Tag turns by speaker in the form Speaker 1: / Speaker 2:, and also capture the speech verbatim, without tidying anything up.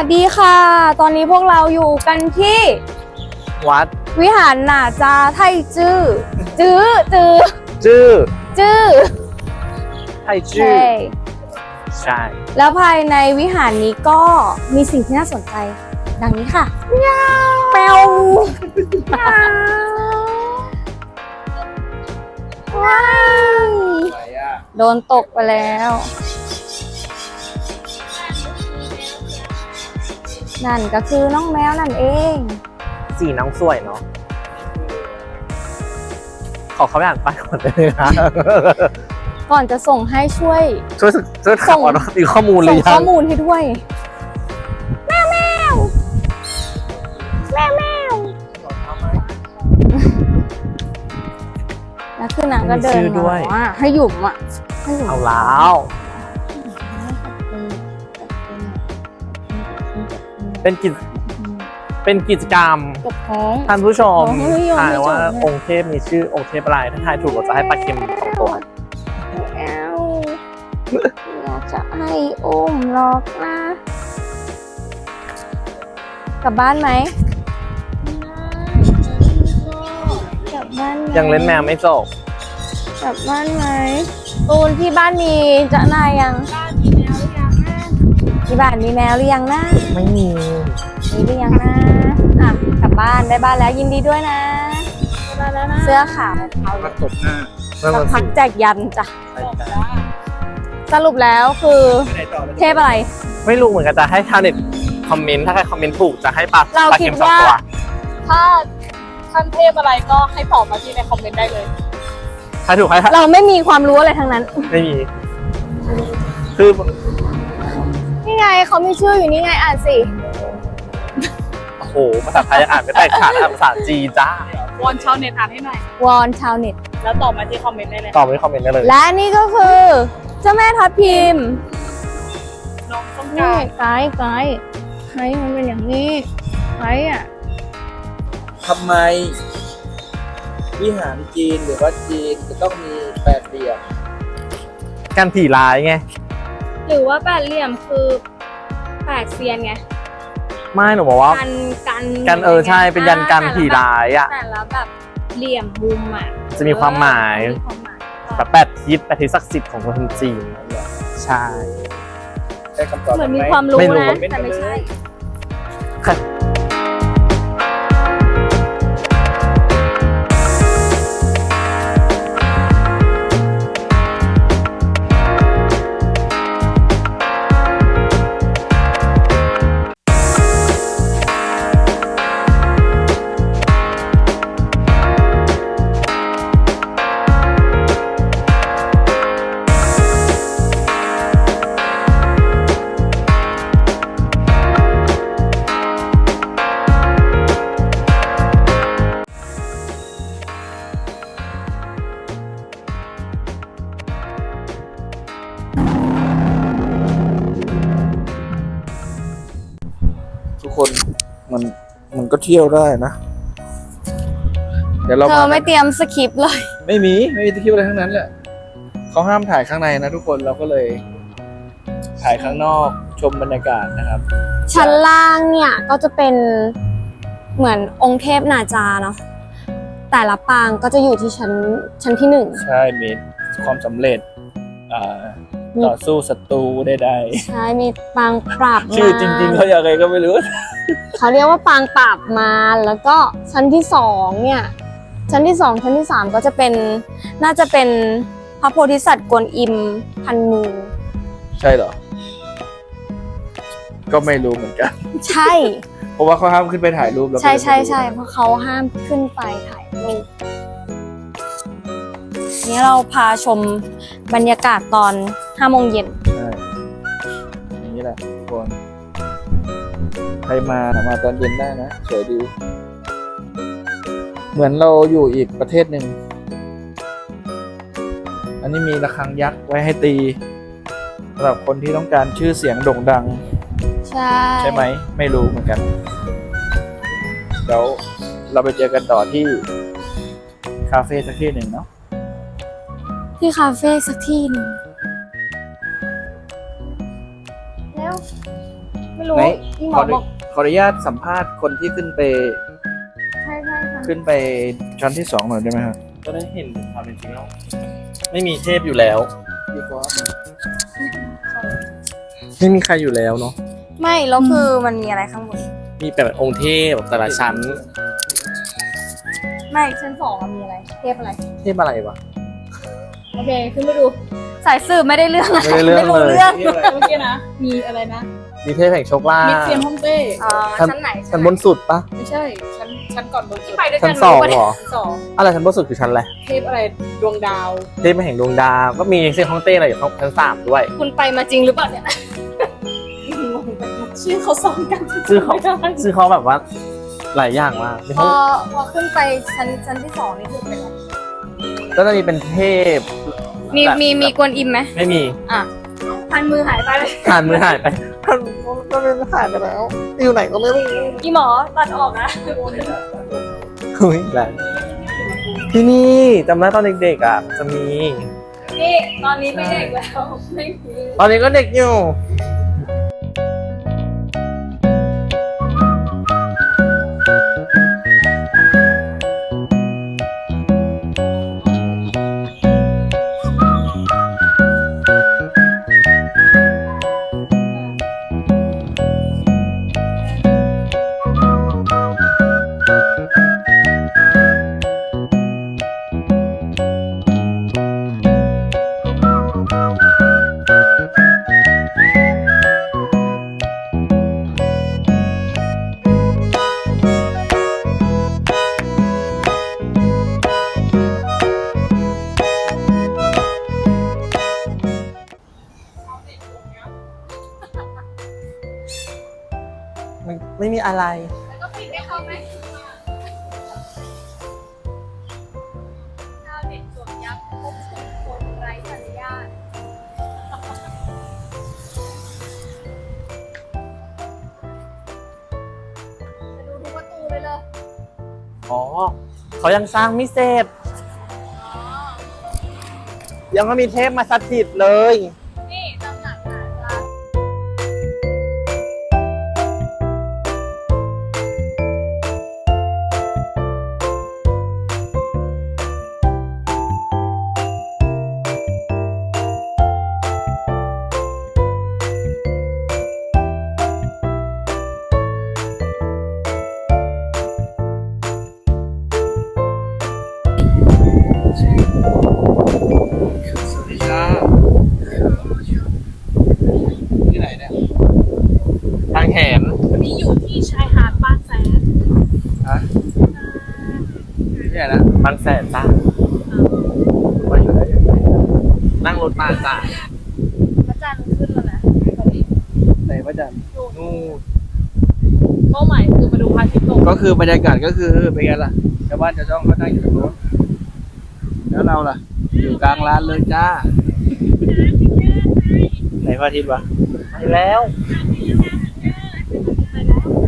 Speaker 1: สดีค่ะ ตอนนี้พวกเราอยู่กันที่
Speaker 2: วัด
Speaker 1: วิหารหน่าจาไทจื้อจื้อจื้อ
Speaker 2: จื้อ
Speaker 1: จื้อ
Speaker 2: ไทจื้อ
Speaker 1: ใช่
Speaker 2: ใช่
Speaker 1: แล้วภายในวิหารนี้ก็มีสิ่งที่น่าสนใจ ดังนี้ค่ะแปวว้าวโดนตกไปแล้ว นั่นก็คือน้องแมวนั่นเอง
Speaker 2: สีน้องสวยเนาะขอเขาไปอ่านป้ายก่อนได้ไหมคะ
Speaker 1: ก่อนจะส่งให้ช่วย
Speaker 2: ช่วยช่วยถามว่ามีข้อมูลหรื
Speaker 1: ส่ง
Speaker 2: อยั
Speaker 1: ข้อง มูลให้ด้วย แมวแมวแมวแมวแล้วคือนางก็เดินมาบอกว่าให้หยุ่มอ่ะให้หยุ่ม
Speaker 2: เอาแล้ว เป็นกิจเป็นกิจกรรม
Speaker 1: กับท้อง
Speaker 2: ท่านผู้ชม
Speaker 1: ขอให้ยอม
Speaker 2: ทายว่า
Speaker 1: ให้จบ
Speaker 2: องค์เทพมีชื่อองค์เทพอะไรถ้าทายถูกเราจะให้ปลาเค็มสองตัว
Speaker 1: แอวอยากจะให้อุ้มหรอกนะ กลับบ้านไหมกลับบ้านไหม
Speaker 2: ยังเล่นแมวไม่จบ
Speaker 1: กลับบ้านไหมตูนที่บ้านมีจะนายยังที่บ้านมีแมวหรือยังนะ
Speaker 2: ไม่มี
Speaker 1: มีหรือยังนะอ่ะกลับบ้านได้บ้านแล้วยินดีด้วยนะเสื้อขาว
Speaker 3: มาตบหน้า
Speaker 1: สักพักแจกยันจ้ะสรุปแล้วคือเทพอะไร
Speaker 2: ไม่รู้เหมือนกันจะให้ชาวเน็ตคอมเมนต์ถ้าใครคอมเมนต์ถูกจะให้ปลา
Speaker 1: เรา
Speaker 2: ปลา
Speaker 1: คิ
Speaker 2: เค็
Speaker 1: ด
Speaker 2: มสอง
Speaker 1: ว่า
Speaker 2: ตัว
Speaker 4: ถ้าท่านเทพอะไรก็ให้ตอบมาที่ในคอมเมนต์ได้เลย
Speaker 2: ถ้าถูกให้
Speaker 1: เราไม่มีความรู้อะไรทั้งนั้น
Speaker 2: ไม่มี คือ
Speaker 1: นี่ไงเขามีชื่ออยู่นี่ไงอ่านสิ
Speaker 2: โอ้โหภาษาไทยอ่านไม่แตกขาดอ่านภาษาจีนจ้าว
Speaker 4: อนชาวเน็ตอ่านให้หน่อย
Speaker 1: วอนชาวเน็ต
Speaker 4: แล้วตอบมาที่คอมเมนต์ได้เลย
Speaker 2: ตอบไม่คอมเมนต์ได้เลย
Speaker 1: และนี่ก็คือเจ้าแม่ทับทิม
Speaker 4: น้องต้อง
Speaker 1: นี่
Speaker 4: การ
Speaker 1: ไกด์ไกด์ไกด์มันเป็นอย่างนี้ไกด์อ่ะ
Speaker 3: ทำไม วิหารจีนหรือว่าจีนจะต้องมีแปดเหลี่ยม
Speaker 2: การผีร้ายไง
Speaker 1: หรือว่าแปดเหลี่ยมคือแปดเซียนไง
Speaker 2: ไม่หนูบอกว่า
Speaker 1: กันกัน
Speaker 2: กันเออใช่เป็นยันกันผีร้ายอ่ะ
Speaker 1: แต่ละแบบเหลี่ยมมุมอ่ะ
Speaker 2: จะมีความหมาย
Speaker 1: มีความหมาย
Speaker 2: แบบแปดทิศแปดทิศศักดิ์สิทธิ์ของคนจีน ใช่
Speaker 3: ได้คำตอบ
Speaker 1: เหมือนมี
Speaker 3: ไห
Speaker 1: ความรู้
Speaker 2: ไม่รู้
Speaker 1: นะแต่ไม่ใช่
Speaker 3: ทุกคนมันมันก็เที่ยวได้นะ เดี๋ยวเรา
Speaker 1: เธอไม่เตรียมสคริปต์เลย
Speaker 3: ไม่มีไม่มีที่เที่ยวอะไรทั้งนั้นแหละเขาห้ามถ่ายข้างในนะทุกคนเราก็เลย ถ่ายข้างนอกชมบรรยากาศนะครับ
Speaker 1: ชั้นล่างเนี่ยก็จะเป็นเหมือนองค์เทพนาจาเนาะแต่ละปางก็จะอยู่ที่ชั้นชั้นที่หนึ่ง
Speaker 3: ใช่มีความสำเร็จอ่า
Speaker 1: มี
Speaker 3: ต่อสู้ศัตรูใด
Speaker 1: ใช่มีปางปราบ
Speaker 3: ๆชื่อจริง ๆเขาอย่างไรก็ไม่รู้
Speaker 1: เขาเรียกว่าปางปราบมารแล้วก็ชั้นที่สองเนี่ยชั้นที่สองชั้นที่สามก็จะเป็นน่าจะเป็นพระโพธิสัตว์กวนอิมพันมือ
Speaker 3: ใช่เหรอ ก็ไม่รู้เหมือนกัน
Speaker 1: ใช่
Speaker 3: เพราะว่าเขาห้ามขึ้นไปถ่ายรูปแล้วก็
Speaker 1: ใช่
Speaker 3: เลย
Speaker 1: ใช่
Speaker 3: ไม่รู้
Speaker 1: ใช่เพราะเขาห้ามขึ้นไปถ่ายรูปนี่เราพาชมบรรยากาศตอนห้าโมงเย็น
Speaker 3: ใช่อย่างนี้แหละทุกคนใครมามาตอนเย็นได้นะสวยดี เหมือนเราอยู่อีกประเทศหนึ่ง อันนี้มีระฆังยักษ์ไว้ให้ตีสำหรับคนที่ต้องการชื่อเสียงโด่งดัง
Speaker 1: ใช่
Speaker 3: ใช่ไหม ไม่รู้เหมือนกัน เดี๋ยวเราไปเจอกันต่อที่คาเฟ่สักที่หนึ่งเนาะ
Speaker 1: ที่คาเฟ่สักที่หนึ่งแล้ว
Speaker 3: ไป
Speaker 1: ไม่รู้
Speaker 3: ไหน
Speaker 1: พี่หม
Speaker 3: ข
Speaker 1: อ
Speaker 3: ออนุ
Speaker 1: บอก
Speaker 3: ขออนุญาตสัมภาษณ์คนที่ขึ้นไป
Speaker 1: ใช่ใช่ค่ะ
Speaker 3: ขึ้นไปชั้นที่สองหน่อยได้ไหมครับ
Speaker 2: ก็ได้เห็นถึงความเป็นจริงแล้ว ไม่มีเทพอยู่แล้ว
Speaker 3: พี่ก๊อฟ
Speaker 2: ไม่มีใครอยู่แล้วเนาะ
Speaker 1: ไม่แล้วคือมันมีอะไรข้างบน
Speaker 2: มีแต่องค์เทพแต่ละชั้น
Speaker 1: ไม่ชั้นสองอะมีอะไรเทพอะไร
Speaker 2: เทพอะไรวะ
Speaker 4: โอเคขึ้นไปดู
Speaker 1: สายสืบไม่ได้เรื่องอะ
Speaker 2: ไม่ได้เรื่อง
Speaker 1: ไม่รู้
Speaker 2: เลย
Speaker 1: เรื่อง
Speaker 4: เมื่อกี้นะ มีอะไรนะ
Speaker 2: มีเทพแห่งโชคลา
Speaker 4: มิด
Speaker 2: ภ
Speaker 4: เซียนฮ่องเต้
Speaker 1: อ๋อ
Speaker 2: ชั้น
Speaker 1: ชั้นไหน
Speaker 2: ชั้นบนสุดปะ
Speaker 4: ไม่ใช่ ชั้นชั้นก่อนบนสุด
Speaker 1: ไปด้วย
Speaker 2: ชั้
Speaker 1: กัน น
Speaker 2: สอง
Speaker 1: ไม่
Speaker 2: เหร
Speaker 1: รู้
Speaker 2: อ
Speaker 4: ชั้นสอง
Speaker 2: อะไรชั้นบนสุดคือชั้นอะไร
Speaker 4: เทพอะไรดวงดาว
Speaker 2: เทพแห่งดวงดาวก็มีเซียนฮ่องเต้อะไรอยู่ชั้นสามด้วย
Speaker 1: คุณไปมาจริงหรือเปล่าเนี่ย
Speaker 4: ชื่อเขาซ้อนกัน
Speaker 2: ชื่อเขา
Speaker 4: ไม่ได้
Speaker 2: ซึ่งเขาแบบว่าหลายอย่างมากมี
Speaker 1: พ
Speaker 2: ห้
Speaker 1: อ
Speaker 2: อง
Speaker 1: พอขึ้นไปชั้นชั้นที่สองนี่คือเป็นอะไร
Speaker 2: ก็จะมีเป็นเทพ
Speaker 1: มี
Speaker 2: แบบ
Speaker 1: มีมีกวนอิมไหม
Speaker 2: ไม่มี
Speaker 1: อ่ะพันมือหายไปเลย
Speaker 2: ผ่านมือหายไปมันมันมันหายไปแล้ว อยู่ไหนก็ไม่รู้
Speaker 1: พี่หมอตัดออกนะ
Speaker 2: เฮ้ยแรงที่นี่จำได้ตอนเด็กๆอ่ะ จะมี
Speaker 1: นี่ตอนนี้ไม่เด็กแล้วไม่มี
Speaker 2: ตอนนี้ก็เด็กอยู่ ไม่ไม่มีอะไร
Speaker 1: แล้วก็ปิดให้เขาไหมชาวเน็ตสวมยับพบสุดคนไร้สัญญาณจะดูทุกประตูเลยเลย
Speaker 2: อ๋อ เขายังสร้างไม่เสร็จ ยังไม่มีเทพมาสถิตเลย
Speaker 1: นี่ตำหนักอ่ะร้าน
Speaker 3: สวัสดีครับที่ไหนเนี่ย
Speaker 2: ทางแขน
Speaker 4: วันนี้อยู่ที่ชายหาดบางแสน
Speaker 3: ฮะที่ไหนนะ
Speaker 2: บางแสนจ้า
Speaker 3: มาอยู่ไหนอยู่ไหน
Speaker 2: นั่งรถมาจ้า
Speaker 1: พระจันทร์ขึ้นแล้วนะ
Speaker 3: ไหนพระจันทร์
Speaker 2: นู่น
Speaker 4: เป้าหมายคือมาดูพระอาทิตย์ตก
Speaker 3: ก็คือบรรยากาศก็คือเป็นไงล่ะชาวบ้านชาวช่องเขานั่งอยู่ตรงโน้นแล้วเราล่ะ อยู่กลางร้านเลยจ้าไหนพระอาทิตย์วะ
Speaker 2: ไปแล้ว
Speaker 3: ไ